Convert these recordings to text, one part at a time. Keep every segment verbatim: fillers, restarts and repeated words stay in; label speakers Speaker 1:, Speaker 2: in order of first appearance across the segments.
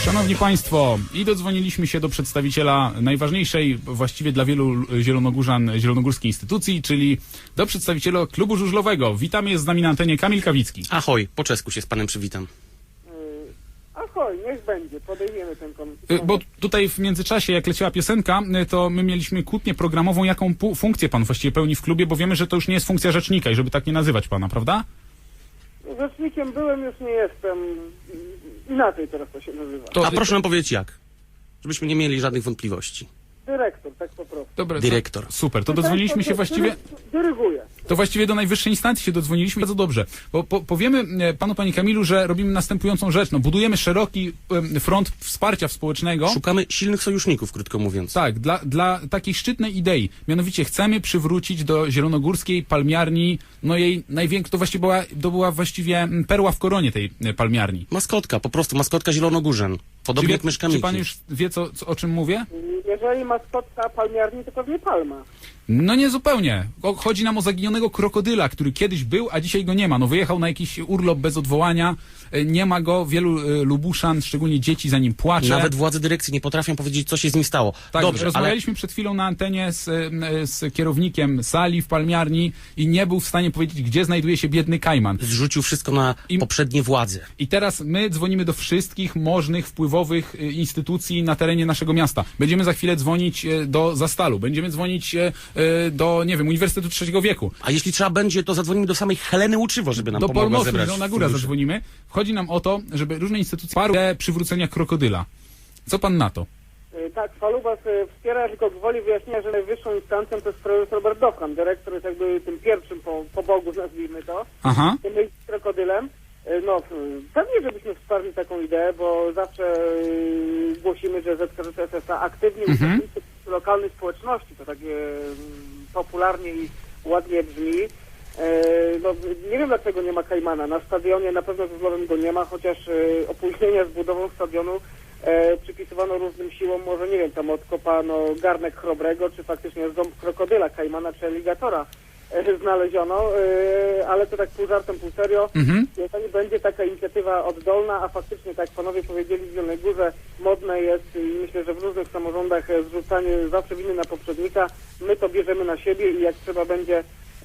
Speaker 1: Szanowni Państwo, i dodzwoniliśmy się do przedstawiciela najważniejszej właściwie dla wielu zielonogórzan zielonogórskiej instytucji, czyli do przedstawiciela klubu żużlowego. Witamy, jest z nami na antenie Kamil Kawicki.
Speaker 2: Ahoj, po czesku się z panem przywitam.
Speaker 3: Ahoj, niech będzie, podejmiemy ten komitet.
Speaker 1: Bo tutaj w międzyczasie, jak leciała piosenka, to my mieliśmy kłótnię programową, jaką funkcję pan właściwie pełni w klubie, bo wiemy, że to już nie jest funkcja rzecznika i żeby tak nie nazywać pana, prawda?
Speaker 3: Rzecznikiem byłem, już nie jestem. Inaczej teraz to się nazywa.
Speaker 1: To,
Speaker 2: A proszę nam powiedzieć jak, żebyśmy nie mieli żadnych wątpliwości.
Speaker 3: Dyrektor, tak po prostu.
Speaker 1: Dobra,
Speaker 2: Dyrektor.
Speaker 1: To, super, to dodzwoniliśmy się właściwie...
Speaker 3: Dyryguję.
Speaker 1: To właściwie do najwyższej instancji się dodzwoniliśmy. Bardzo dobrze. Bo po, powiemy panu, panie Kamilu, że robimy następującą rzecz. No, budujemy szeroki em, front wsparcia społecznego.
Speaker 2: Szukamy silnych sojuszników, krótko mówiąc.
Speaker 1: Tak, dla, dla takiej szczytnej idei. Mianowicie chcemy przywrócić do zielonogórskiej palmiarni, no jej największa, to właściwie była, to była właściwie perła w koronie tej palmiarni.
Speaker 2: Maskotka, po prostu maskotka Zielonogórzan. Podobnie
Speaker 1: Czy,
Speaker 2: jak
Speaker 1: wie,
Speaker 2: Myszka Miki.
Speaker 1: czy pan już wie, co, co, o czym mówię?
Speaker 3: Jeżeli maskotka palmiarni, to pewnie palma.
Speaker 1: No nie zupełnie. O, chodzi nam o zaginionego krokodyla, który kiedyś był, a dzisiaj go nie ma. No wyjechał na jakiś urlop bez odwołania, e, nie ma go, wielu e, Lubuszan, szczególnie dzieci, za nim płacze.
Speaker 2: Nawet władze dyrekcji nie potrafią powiedzieć, co się z nim stało.
Speaker 1: Tak,
Speaker 2: Dobrze, ale
Speaker 1: rozmawialiśmy przed chwilą na antenie z, e, z kierownikiem sali w palmiarni i nie był w stanie powiedzieć, gdzie znajduje się biedny kajman.
Speaker 2: zrzucił wszystko na
Speaker 1: I-
Speaker 2: poprzednie władze.
Speaker 1: I teraz my dzwonimy do wszystkich możnych, wpływowych e, instytucji na terenie naszego miasta. Będziemy za chwilę dzwonić e, do Zastalu, będziemy dzwonić e, e, do, nie wiem, Uniwersytetu Trzeciego Wieku.
Speaker 2: A jeśli trzeba będzie, to zadzwonimy do samej Heleny Łuczywo, żeby nam
Speaker 1: Do
Speaker 2: pomogła
Speaker 1: Polmostu,
Speaker 2: zebrać
Speaker 1: no, na górę
Speaker 2: fundusze.
Speaker 1: zadzwonimy. Chodzi nam o to, żeby różne instytucje wsparły przywrócenia krokodyla. Co pan na to?
Speaker 3: Y, Tak, Falubas y, wspiera, tylko gwoli wyjaśnienia, że najwyższą instancją to jest prezes Robert Dowhan. Dyrektor jest jakby tym pierwszym po, po Bogu, nazwijmy to.
Speaker 1: Aha.
Speaker 3: Tym z krokodylem. Y, No, y, pewnie, żebyśmy wsparli taką ideę, bo zawsze y, głosimy, że Z K Z S S A aktywnie
Speaker 1: Mhm.
Speaker 3: uczestniczy w lokalnej społeczności. To takie y, popularnie i ładnie brzmi. E, No, nie wiem, dlaczego nie ma kajmana. Na stadionie na pewno żużlowym go nie ma, chociaż e, opóźnienia z budową stadionu e, przypisywano różnym siłom. Może, nie wiem, tam odkopano garnek chrobrego, czy faktycznie ząb krokodyla, kajmana, czy aligatora e, znaleziono, e, ale to tak pół żartem, pół serio.
Speaker 1: Mhm.
Speaker 3: Jeżeli będzie taka inicjatywa oddolna, a faktycznie, tak jak panowie powiedzieli, w Zielonej Górze modne jest i myślę, że w różnych samorządach e, zrzucanie zawsze winy na poprzednika, my to bierzemy na siebie i jak trzeba będzie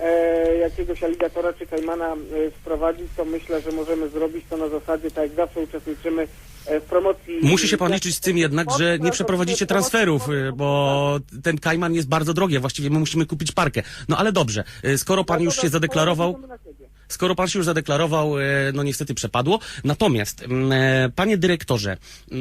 Speaker 3: e, jakiegoś aligatora czy kajmana e, sprowadzić, to myślę, że możemy zrobić to na zasadzie, tak jak zawsze uczestniczymy e, w promocji.
Speaker 2: Musi się pan liczyć z tym jednak, że nie przeprowadzicie transferów, y, bo ten kajman jest bardzo drogi, a właściwie my musimy kupić parkę. No ale dobrze, y, skoro pan już się zadeklarował, skoro pan się już zadeklarował, y, no niestety przepadło. Natomiast, mm, e, panie dyrektorze,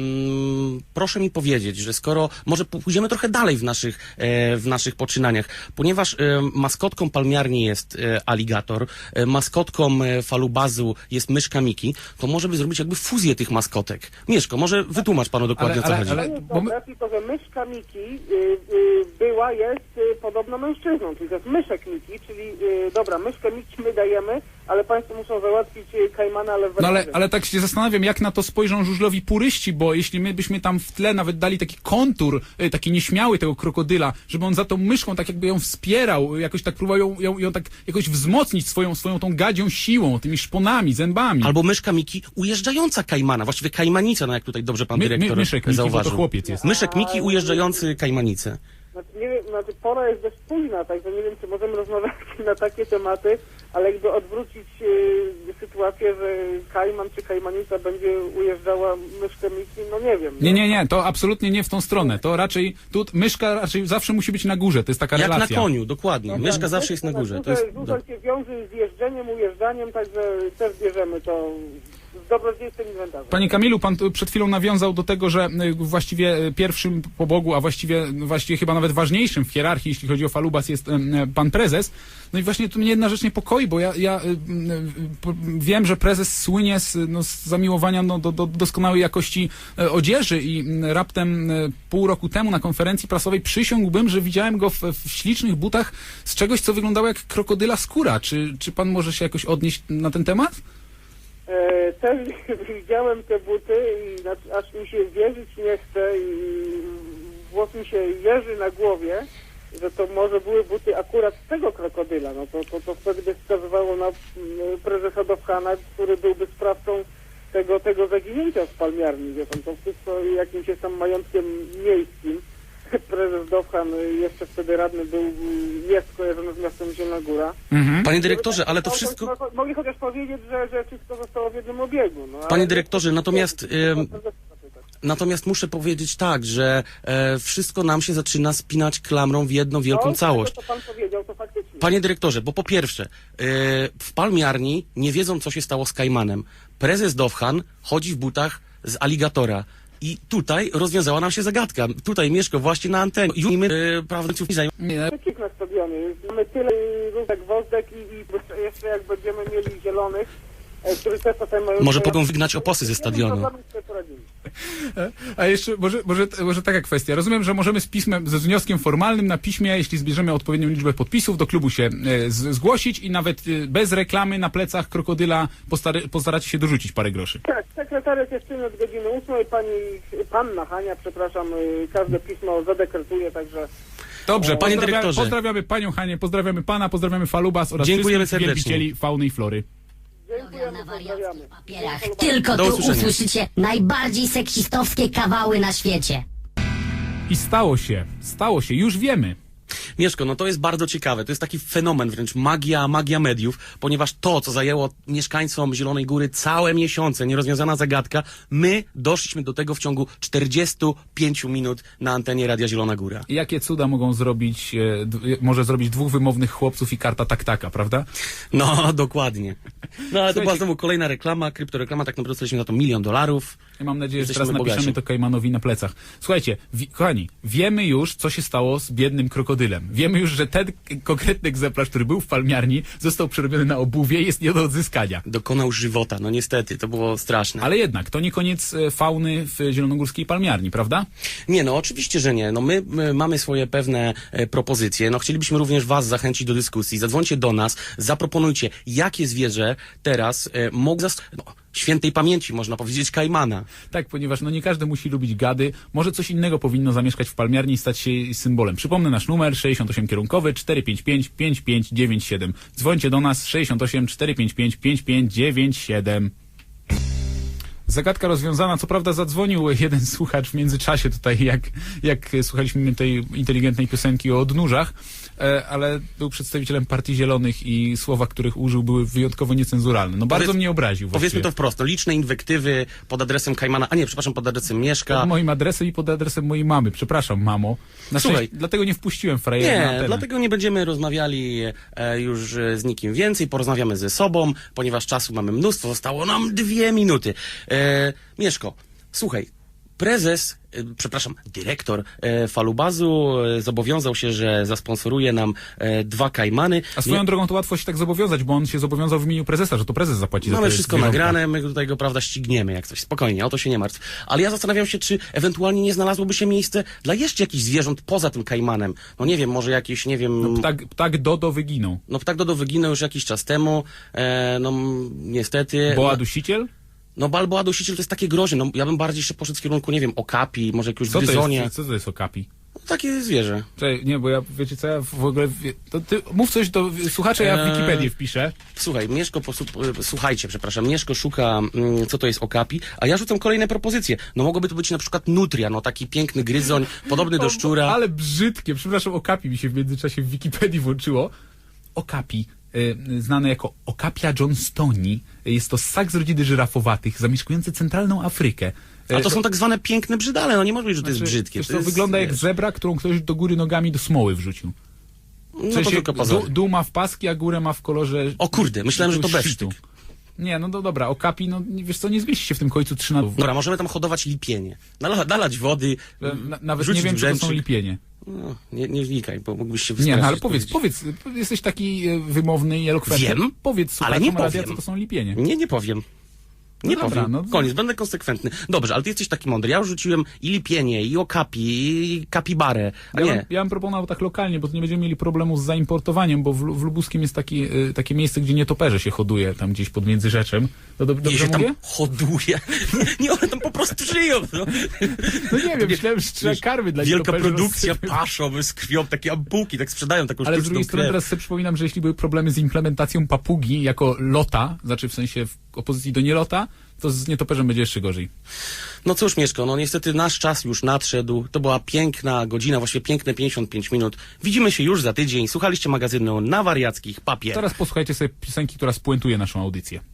Speaker 2: mm, proszę mi powiedzieć, że skoro, może pójdziemy trochę dalej w naszych, e, w naszych poczynaniach, ponieważ e, maskotką palmiarni jest e, aligator, e, maskotką e, falubazu jest myszka Miki, to może by zrobić jakby fuzję tych maskotek. Mieszko, może wytłumacz panu dokładnie,
Speaker 1: Ale-
Speaker 2: o co
Speaker 1: ale-
Speaker 2: chodzi.
Speaker 1: ale-
Speaker 3: To jest
Speaker 1: bo my-
Speaker 3: dobre, tylko że myszka Miki y, y, była, jest y, podobno mężczyzną, czyli to jest myszek Miki, czyli y, dobra, myszkę Miki my dajemy, ale państwo muszą załatwić y, kajmana, ale w
Speaker 1: No ale,
Speaker 3: wersji.
Speaker 1: ale tak się zastanawiam, jak na to spojrzą żużlowi puryści, bo jeśli my byśmy tam w tle nawet dali taki kontur, y, taki nieśmiały tego krokodyla, żeby on za tą myszką tak jakby ją wspierał, jakoś tak próbował ją, ją, ją tak jakoś wzmocnić swoją, swoją tą gadzią siłą, tymi szponami, zębami.
Speaker 2: Albo myszka Miki ujeżdżająca kajmana, właściwie kajmanica, no jak tutaj dobrze pan
Speaker 1: My- my-
Speaker 2: dyrektor
Speaker 1: myszek Miki, bo to
Speaker 2: zauważył.
Speaker 1: chłopiec jest.
Speaker 2: Myszek Miki ujeżdżający kajmanicę.
Speaker 3: Znaczy, nie wiem, znaczy pora jest dość późna, także nie wiem, czy możemy rozmawiać na takie tematy, ale jakby odwrócić y, sytuację, że kajman czy kajmanica będzie ujeżdżała myszkę Miki, no nie wiem.
Speaker 1: Nie,
Speaker 3: no.
Speaker 1: nie, nie, to absolutnie nie w tą stronę. To raczej, tu myszka raczej zawsze musi być na górze, to jest taka
Speaker 2: Jak na
Speaker 1: relacja.
Speaker 2: koniu, dokładnie. Myszka zawsze jest na górze. To jest...
Speaker 3: Żużel się wiąże z jeżdżeniem, ujeżdżaniem, także też bierzemy to z dobrodziejstwem inwentarza.
Speaker 1: Panie Kamilu, pan tu przed chwilą nawiązał do tego, że y, właściwie y, pierwszym po Bogu, a właściwie, właściwie chyba nawet ważniejszym w hierarchii, jeśli chodzi o Falubas, jest y, y, pan prezes. No i właśnie tu mnie jedna rzecz niepokoi, bo ja, ja y, y, y, wiem, że prezes słynie z, no, z zamiłowania no, do, do doskonałej jakości y, odzieży i y, raptem y, pół roku temu na konferencji prasowej przysiągłbym, że widziałem go w, w ślicznych butach z czegoś, co wyglądało jak krokodyla skóra. Czy, czy pan może się jakoś odnieść na ten temat?
Speaker 3: E, też widziałem te buty i znaczy, aż mi się wierzyć nie chce i włos mi się jeży na głowie, że to może były buty akurat tego krokodyla. No to, to, to wtedy by wskazywało na mm, prezesa Dowhana, który byłby sprawcą tego, tego zaginięcia z palmiarni, wie pan, to wszystko jakimś jest tam majątkiem miejskim. Prezes Dowhan jeszcze wtedy radny był, jest kojarzony z miastem Zielona Góra.
Speaker 1: Mhm.
Speaker 2: Panie dyrektorze, ale to wszystko...
Speaker 3: Mogli chociaż powiedzieć, że, że wszystko zostało w jednym obiegu. No,
Speaker 2: Panie dyrektorze, natomiast... Ym... Natomiast muszę powiedzieć tak, że e, wszystko nam się zaczyna spinać klamrą w jedną wielką
Speaker 3: no,
Speaker 2: całość.
Speaker 3: To, co pan powiedział, to faktycznie.
Speaker 2: Panie dyrektorze, bo po pierwsze, e, w palmiarni nie wiedzą, co się stało z Kajmanem. Prezes Dowhan chodzi w butach z aligatora. I tutaj rozwiązała nam się zagadka. Tutaj Mieszko właśnie na antenie. I my, e, prawda,
Speaker 1: Nie.
Speaker 3: Kik na stadionie. Mamy tyle różek wozdek i, i jeszcze jak będziemy mieli zielonych, e, którzy też potem mają...
Speaker 2: Może mogą wygnać oposy ze stadionu.
Speaker 1: A jeszcze może, może, może taka kwestia. Rozumiem, że możemy z pismem, ze wnioskiem formalnym na piśmie, jeśli zbierzemy odpowiednią liczbę podpisów, do klubu się e, z, zgłosić i nawet e, bez reklamy na plecach krokodyla postary, postaracie się dorzucić parę groszy.
Speaker 3: Tak, sekretariat jest czynny od godziny ósmej, pani, panna Hania, przepraszam, y, każde pismo zadekretuje, także...
Speaker 1: Dobrze,
Speaker 2: Panie
Speaker 1: pozdrawiamy,
Speaker 2: dyrektorze.
Speaker 1: pozdrawiamy panią Hanię, pozdrawiamy pana, pozdrawiamy Falubas oraz
Speaker 2: Dziękujemy
Speaker 1: wszystkich
Speaker 2: serdecznie.
Speaker 1: wielbicieli fauny i flory.
Speaker 3: Dziękujemy, pozdrawiamy.
Speaker 4: papierach. Tylko
Speaker 2: Do
Speaker 4: tu
Speaker 2: usłyszenia.
Speaker 4: usłyszycie najbardziej seksistowskie kawały na świecie.
Speaker 1: I stało się, stało się, już wiemy.
Speaker 2: Mieszko, no to jest bardzo ciekawe. To jest taki fenomen, wręcz magia, magia mediów, ponieważ to, co zajęło mieszkańcom Zielonej Góry całe miesiące, nierozwiązana zagadka, my doszliśmy do tego w ciągu czterdziestu pięciu minut na antenie Radia Zielona Góra.
Speaker 1: Jakie cuda mogą zrobić, e, d, może zrobić dwóch wymownych chłopców i karta tak-taka, prawda?
Speaker 2: No, dokładnie. No, ale to
Speaker 1: Słuchajcie-
Speaker 2: była znowu kolejna reklama, kryptoreklama, tak naprawdę dostaliśmy na to milion dolarów.
Speaker 1: Ja mam nadzieję, że
Speaker 2: Jesteśmy
Speaker 1: teraz napiszemy
Speaker 2: bogaci.
Speaker 1: to Kajmanowi na plecach. Słuchajcie, wi- kochani, wiemy już, co się stało z biednym krokodylem. Wiemy już, że ten k- konkretny egzemplarz, który był w palmiarni, został przerobiony na obuwie i jest nie do odzyskania.
Speaker 2: Dokonał żywota, no niestety, to było straszne.
Speaker 1: Ale jednak, to nie koniec e, fauny w zielonogórskiej palmiarni, prawda?
Speaker 2: Nie, no oczywiście, że nie. No my, my mamy swoje pewne e, propozycje. No chcielibyśmy również was zachęcić do dyskusji. Zadzwońcie do nas, zaproponujcie, jakie zwierzę teraz e, mógł zas... No, świętej pamięci, można powiedzieć, Kajmana.
Speaker 1: Tak, ponieważ no nie każdy musi lubić gady. Może coś innego powinno zamieszkać w palmiarni i stać się symbolem. Przypomnę nasz numer sześćdziesiąt osiem kierunkowy cztery pięć pięć pięć pięć dziewięć siedem. Dzwońcie do nas sześćdziesiąt osiem cztery pięć pięć pięć pięć dziewięć siedem. Zagadka rozwiązana. Co prawda zadzwonił jeden słuchacz w międzyczasie tutaj, jak, jak słuchaliśmy tej inteligentnej piosenki o odnóżach, e, ale był przedstawicielem Partii Zielonych i słowa, których użył, były wyjątkowo niecenzuralne. No bardzo
Speaker 2: Powiedz-
Speaker 1: mnie obraził.
Speaker 2: Powiedzmy
Speaker 1: właściwie.
Speaker 2: to wprost, no liczne inwektywy pod adresem Kajmana, a nie, przepraszam, pod adresem Mieszka.
Speaker 1: Pod moim adresem i pod adresem mojej mamy. Przepraszam, mamo. Na
Speaker 2: Słuchaj.
Speaker 1: szczęście, dlatego nie wpuściłem frajera na
Speaker 2: Nie,
Speaker 1: antenę.
Speaker 2: dlatego nie będziemy rozmawiali e, już e, z nikim więcej, porozmawiamy ze sobą, ponieważ czasu mamy mnóstwo, zostało nam dwie minuty. E, Mieszko, słuchaj, prezes, e, przepraszam, dyrektor e, Falubazu e, zobowiązał się, że zasponsoruje nam e, dwa Kajmany.
Speaker 1: A swoją
Speaker 2: Nie-
Speaker 1: drogą to łatwo się tak zobowiązać, bo on się zobowiązał w imieniu prezesa, że to prezes zapłaci za
Speaker 2: Mamy
Speaker 1: te
Speaker 2: wszystko
Speaker 1: zwierzątka.
Speaker 2: nagrane, my tutaj go, prawda, ścigniemy jak coś. Spokojnie, o to się nie martw. Ale ja zastanawiam się, czy ewentualnie nie znalazłoby się miejsce dla jeszcze jakichś zwierząt poza tym Kajmanem. No nie wiem, może jakieś, nie wiem...
Speaker 1: No, ptak, ptak Dodo wyginął.
Speaker 2: No ptak Dodo wyginął już jakiś czas temu, e, no m, niestety...
Speaker 1: Boa dusiciel?
Speaker 2: No Balboa dusiciel to jest takie groźne, no ja bym bardziej jeszcze poszedł w kierunku, nie wiem, okapi, może jakiegoś
Speaker 1: Co to
Speaker 2: gryzonia.
Speaker 1: jest, co to jest okapi?
Speaker 2: No, takie zwierzę.
Speaker 1: Czekaj, nie, bo ja, wiecie co, ja w ogóle... wie- To ty mów coś do słuchacza, ja w
Speaker 2: Eee.
Speaker 1: Wikipedię wpiszę.
Speaker 2: Słuchaj, Mieszko, posu, e, słuchajcie, przepraszam, Mieszko szuka, mm, co to jest okapi, a ja rzucam kolejne propozycje. No mogłoby to być na przykład nutria, no taki piękny gryzoń, podobny do szczura.
Speaker 1: Ale brzydkie, przepraszam, okapi mi się w międzyczasie w Wikipedii włączyło. Okapi, y, znane jako Okapia johnstoni, jest to ssak z rodziny żyrafowatych, zamieszkujący centralną Afrykę.
Speaker 2: A
Speaker 1: Y,
Speaker 2: to są tak zwane piękne brzydale, no nie może być, że to jest
Speaker 1: znaczy,
Speaker 2: brzydkie.
Speaker 1: wiesz
Speaker 2: To
Speaker 1: co,
Speaker 2: jest,
Speaker 1: wygląda jak
Speaker 2: wiesz,
Speaker 1: zebra, którą ktoś do góry nogami do smoły wrzucił. W
Speaker 2: No to
Speaker 1: sensie
Speaker 2: tylko pozory.
Speaker 1: dół, dół ma w paski, a górę ma w kolorze...
Speaker 2: O kurde, myślałem, że to
Speaker 1: jakiegoś
Speaker 2: besztyk.
Speaker 1: szczytu. Nie, no to dobra, okapi, no nie- wiesz co, nie zmieści się w tym końcu trzy na...
Speaker 2: Dobra, możemy tam hodować lipienie. Nala, nalać wody,
Speaker 1: Na, nawet
Speaker 2: wrzucić
Speaker 1: nie wiem, czy to są
Speaker 2: brzęczyk.
Speaker 1: lipienie.
Speaker 2: No, nie, nie wnikaj, bo mógłbyś się
Speaker 1: Nie,
Speaker 2: wystraszyć.
Speaker 1: no ale powiedz,
Speaker 2: powiedzieć.
Speaker 1: powiedz, jesteś taki e, wymowny i elokwentny.
Speaker 2: Wiem,
Speaker 1: Powiedz
Speaker 2: ale
Speaker 1: słuchaczom
Speaker 2: nie
Speaker 1: radia,
Speaker 2: powiem.
Speaker 1: co to są lipienie.
Speaker 2: Nie, nie powiem. Nie
Speaker 1: No dobra,
Speaker 2: powiem.
Speaker 1: no-
Speaker 2: Koniec, będę konsekwentny. Dobrze, ale ty jesteś taki mądry. Ja już rzuciłem i lipienie, i okapi, i kapibarę. A
Speaker 1: Ja
Speaker 2: nie.
Speaker 1: bym, ja bym proponował tak lokalnie, bo tu nie będziemy mieli problemu z zaimportowaniem, bo w, Lu- w Lubuskim jest taki, y, takie miejsce, gdzie nietoperze się hoduje, tam gdzieś pod Międzyrzeczem. No dob-
Speaker 2: Nie
Speaker 1: dobrze
Speaker 2: się tam
Speaker 1: mówię?
Speaker 2: hoduje. Nie, one tam po prostu żyją. No.
Speaker 1: No nie wiem, myślałem, że trzeba
Speaker 2: Wiesz,
Speaker 1: karmy dla
Speaker 2: Wielka
Speaker 1: nietoperzy
Speaker 2: produkcja
Speaker 1: rozsypywać.
Speaker 2: paszą z krwią, takie ampułki, tak sprzedają taką
Speaker 1: Ale z
Speaker 2: sztuczną
Speaker 1: drugiej strony
Speaker 2: krew.
Speaker 1: teraz sobie przypominam, że jeśli były problemy z implementacją papugi jako lota, znaczy w sensie w opozycji do nielota, to z nietoperzem będzie jeszcze gorzej.
Speaker 2: No cóż, Mieszko, no niestety nasz czas już nadszedł. To była piękna godzina, właściwie piękne pięćdziesiąt pięć minut. Widzimy się już za tydzień. Słuchaliście magazynu Na Wariackich Papier.
Speaker 1: Teraz posłuchajcie sobie piosenki, która spuentuje naszą audycję.